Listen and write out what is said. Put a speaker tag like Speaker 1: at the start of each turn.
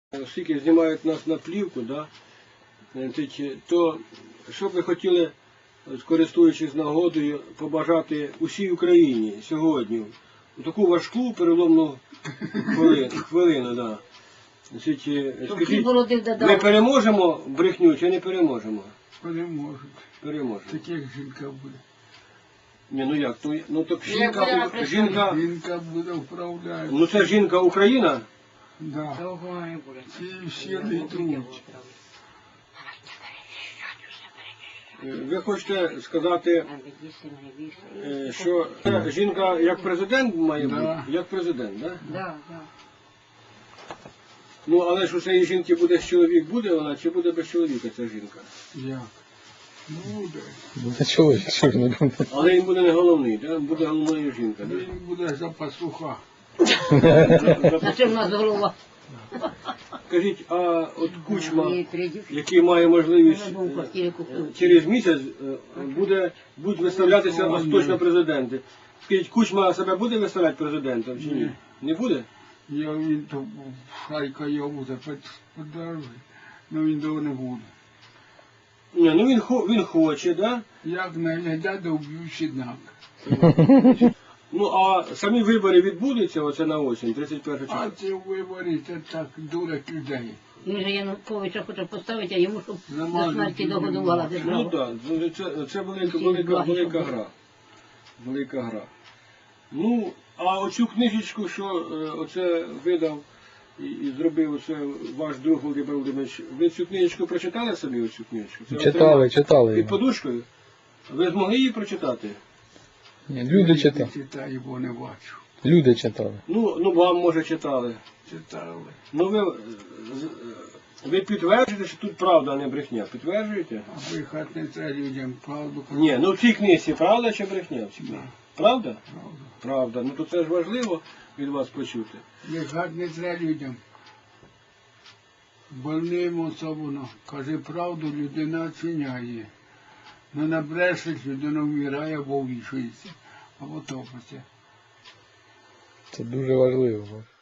Speaker 1: Оскільки знімають нас на плівку, да, то що б ви хотіли, користуючись нагодою, побажати усій Україні сьогодні, у таку важку переломну хвилину, да. Скажіть, ми переможемо брехню чи не переможемо?
Speaker 2: Переможуть.
Speaker 1: Переможемо.
Speaker 2: Таких жінка буде.
Speaker 1: Ні, ну як, ну так
Speaker 2: Жінка буде вправляти.
Speaker 1: ну це жінка Україна?
Speaker 2: Да. Ці всі не йдуть.
Speaker 1: Ви хочете сказати, що жінка як президент має бути?
Speaker 2: Да.
Speaker 1: Як президент, так? Да?
Speaker 3: Да, да.
Speaker 1: Ну, але ж у цієї жінки буде чоловік, буде вона, чи буде без чоловіка ця жінка?
Speaker 2: Як? Буде.
Speaker 4: Буде чоловік, що ж не буде.
Speaker 1: Але він буде не головний, да? Буде головною жінка, да?
Speaker 2: Він буде за пастуха.
Speaker 3: На чим у нас голова?
Speaker 1: Скажіть, а от Кучма, який має можливість через місяць будуть виставлятися остаточно президенти. Скажіть, Кучма себе буде виставляти президентом чи ні?
Speaker 2: Ні.
Speaker 1: Не буде?
Speaker 2: Він то шайка його буде подержати. Ну він того не буде.
Speaker 1: Ні, ну він хоче, да?
Speaker 2: Як не глядять, то вб'ють однак.
Speaker 1: Ну, а самі вибори відбудуться оце на осінь, 31 числа?
Speaker 2: А ці вибори, це так дурять людей.
Speaker 3: Він же Януковича хоче поставити, а йому, щоб до
Speaker 2: Замазати
Speaker 3: смерті
Speaker 2: не
Speaker 3: догодувала
Speaker 2: можна.
Speaker 1: Ну
Speaker 3: держава.
Speaker 1: так, це велика гра. Велика гра. Ну, а оцю книжечку, що оце видав і зробив оце ваш друг Володимир Володимирович, ви цю книжечку прочитали собі, оцю книжечку? Це
Speaker 4: Читали
Speaker 1: під
Speaker 4: його.
Speaker 1: подушкою? Ви змогли її прочитати?
Speaker 4: Ні, люди читали.
Speaker 2: Читаю, бо не бачу.
Speaker 4: Люди читали.
Speaker 1: Ну вам, може, читали.
Speaker 2: Читали.
Speaker 1: Ну, ви підтверджуєте, що тут правда, а не брехня? Підтверджуєте?
Speaker 2: А брехати не треба людям правду казати.
Speaker 1: Ні, ну в цій книжці правда чи брехня? В цій книжці? Правда?
Speaker 2: Правду.
Speaker 1: Правда. Ну то це ж важливо від вас почути.
Speaker 2: Брехати не треба людям. Больним особливо. Каже правду, людина оціняє. Не набрешеш, людина вмирає або вішується, або топиться.
Speaker 4: Це дуже важливо.